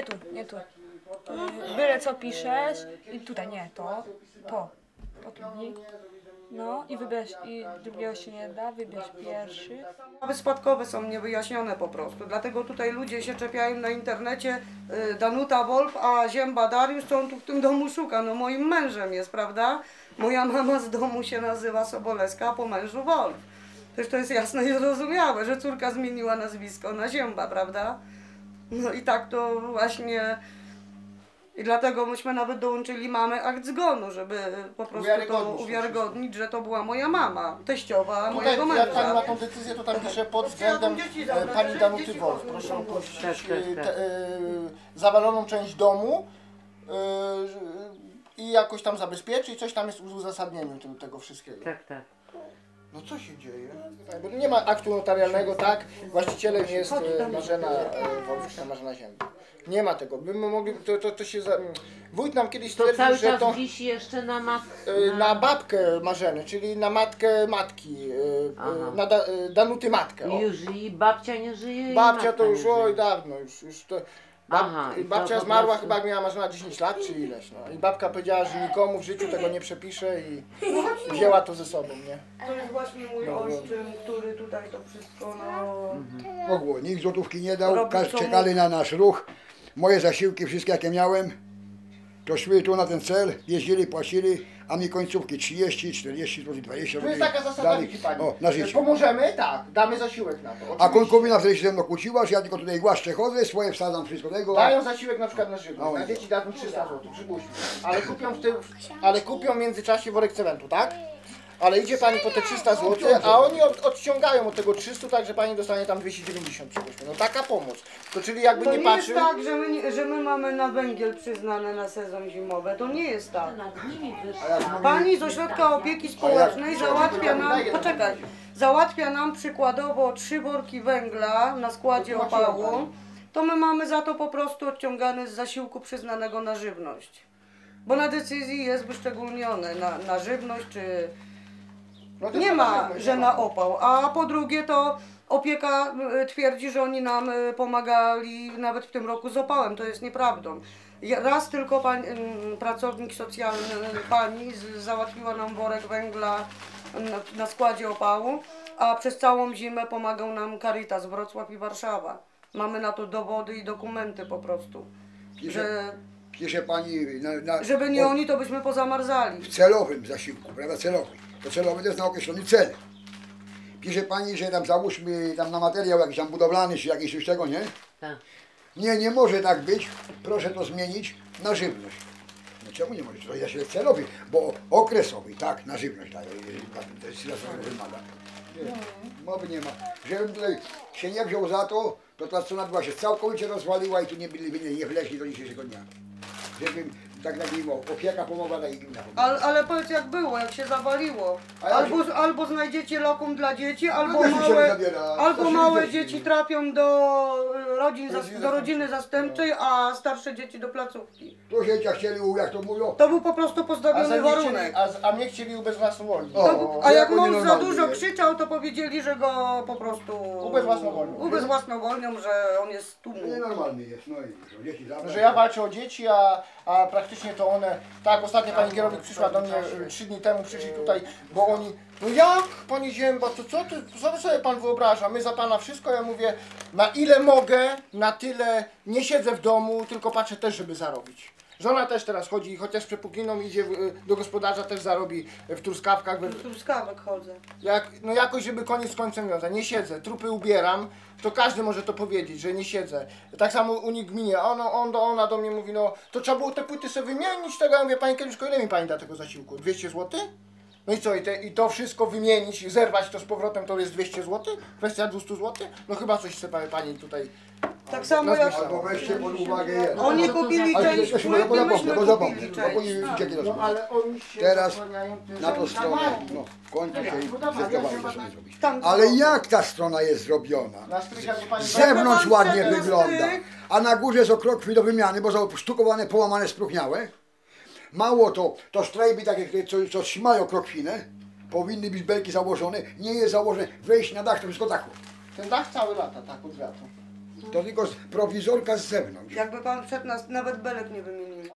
nie tu. Byle co piszesz i tutaj, nie, to kliknij. No i wybierz, i drugiego się nie da, wybierz pierwszy. Sprawy spadkowe są niewyjaśnione po prostu, dlatego tutaj ludzie się czepiają na internecie, Danuta Wolf, a Zięba Dariusz, co on tu w tym domu szuka? No moim mężem jest, prawda? Moja mama z domu się nazywa Sobolewska, a po mężu Wolf. Przecież to jest jasne i zrozumiałe, że córka zmieniła nazwisko na Zięba, prawda? No i tak to właśnie... I dlatego myśmy nawet dołączyli mamy akt zgonu, żeby po prostu to uwiarygodnić, że to była moja mama, teściowa mojego męża. Jak pani ma tą decyzję, to tam pisze pod względem pani Danuty Wolf. Proszę opuścić zawaloną część domu i jakoś tam zabezpieczyć, coś tam jest w uzasadnieniu tego wszystkiego. Tak. No co się dzieje? Bo nie ma aktu notarialnego, tak? Właścicielem jest Marzena Wolf, Marzena Zięba. Nie ma tego. My mogli, to się wójt nam kiedyś stwierdził, cały że czas to wisi jeszcze na na babkę Marzeny, czyli na matkę matki, na Danuty matkę. O. Już i babcia nie żyje. Babcia i to już, nie żyje. oj dawno, już to... babcia zmarła chyba jak miała Marzena 10 lat czy ileś, no. I babka powiedziała, że nikomu w życiu tego nie przepisze i wzięła to ze sobą, nie? To jest właśnie mój ojczym, który tutaj to wszystko, Mogło, nikt złotówki nie dał, czekali na nasz ruch. Moje zasiłki, wszystkie jakie miałem, to szły tu na ten cel, jeździli, płacili, a mi końcówki 30, 40 zł, 20 To jest zł taka zasada, dali. widzi pani. O, na życie. Pomożemy, tak, damy zasiłek na to. A Oczywiście. konkubina wtedy się ze mną kłóciła, że ja tylko tutaj głaszczę chodzę, swoje wsadzam wszystko tego. Dają zasiłek na przykład na żywność, No. na dzieci dadzą 300 zł, przypuśćmy. Ale kupią w międzyczasie worek cementu, tak? Ale idzie pani po te 300 zł, a oni odciągają od tego 300, tak że pani dostanie tam 290, przypuśćmy. No taka pomoc. To czyli jakby To nie nie patrzył... jest tak, że my mamy na węgiel przyznane na sezon zimowy. To nie jest tak. Nad nimi Pani z Ośrodka Opieki Społecznej załatwia nam, poczekaj, załatwia nam przykładowo 3 worki węgla na składzie opału, to my mamy za to po prostu odciągane z zasiłku przyznanego na żywność. Bo na decyzji jest wyszczególnione na żywność, czy No nie ma, że na opał. A po drugie to opieka twierdzi, że oni nam pomagali nawet w tym roku z opałem. To jest nieprawdą. Raz tylko pracownik socjalny pani załatwiła nam worek węgla na składzie opału, a przez całą zimę pomagał nam Caritas Wrocław i Warszawa. Mamy na to dowody i dokumenty po prostu. Pisze pani Żeby nie oni, to byśmy pozamarzali. w celowym zasiłku, prawda, celowy. To celowy to jest na określony cel. Pisze pani, że tam załóżmy tam na materiał jakiś tam budowlany czy jakiś już tego, nie? Tak. Nie może tak być, proszę to zmienić na żywność. No czemu nie może? To jest zasiłek celowy, bo okresowy, tak, na żywność daje, to jest wymaga. Mowy nie ma. Żebym tutaj się nie wziął za to, to ta strona była się całkowicie rozwaliła i tu nie byli, nie wleźli do dzisiejszego dnia. Żebym tak nazwijmy, opieka pomogła i gmina pomogła. Ale powiedz jak było, jak się zawaliło. Albo znajdziecie lokum dla dzieci, albo też mi się małe, zabiera, albo to się małe dzieci. dzieci trafią do rodziny zastępczej, a starsze dzieci do placówki. Tu się chcieli, jak to mówią, To był po prostu postawiony warunek. A mnie chcieli ubezwłasnowolnić. A jak oni mąż za normalni dużo jest. krzyczał, to powiedzieli, że go po prostu ubezwłasnowolnią, że on jest z tłumu. nienormalny jest, no i dzieci zabrać. Że ja walczę o dzieci, a praktycznie to one, tak, ostatnio pani kierownik przyszła do mnie 3 dni temu, przyszli tutaj, bo oni, no jak pani Zięba, to co sobie pan wyobraża, my za pana wszystko, ja mówię, na ile mogę, na tyle nie siedzę w domu, tylko patrzę też, żeby zarobić. Żona też teraz chodzi, chociaż z przepukliną idzie do gospodarza, też zarobi w truskawkach. Do truskawek chodzę. No jakoś, żeby koniec z końcem wiązać. Nie siedzę, trupy ubieram, to każdy może to powiedzieć, że nie siedzę. Tak samo u nich gminie, ona do mnie mówi, no to trzeba było te płyty sobie wymienić tego. Ja mówię, pani Kieliszko, ile mi pani da tego zasiłku? 200 zł? No i co, i to wszystko wymienić, zerwać to z powrotem, to jest 200 zł? Kwestia 200 zł? No chyba coś chce pani tutaj... Tak samo jak Albo weźcie pod uwagę jeden. oni kupili część płyty, myśmy kupili część. No ale oni się Teraz zasłaniają tym, na że tą oni stronę, mają. no w końcu się Budowa, zdecydowali, ja że sobie zrobić. Tam Ale jak ta strona jest zrobiona? Na strych jakby pani... Z zewnątrz Pan ładnie wszedł na wygląda, strych. a na górze jest okrokwi do wymiany, bo są sztukowane, połamane, spróchniałe. Mało to sztrajby takie, co trzymają krokwinę, powinny być belki założone, nie jest założone, wejść na dach, to wszystko dachu. Ten dach cały lata, tak, od wiatru. To tylko prowizorka z zewnątrz. Jakby pan wszedł, nawet belek nie wymienili.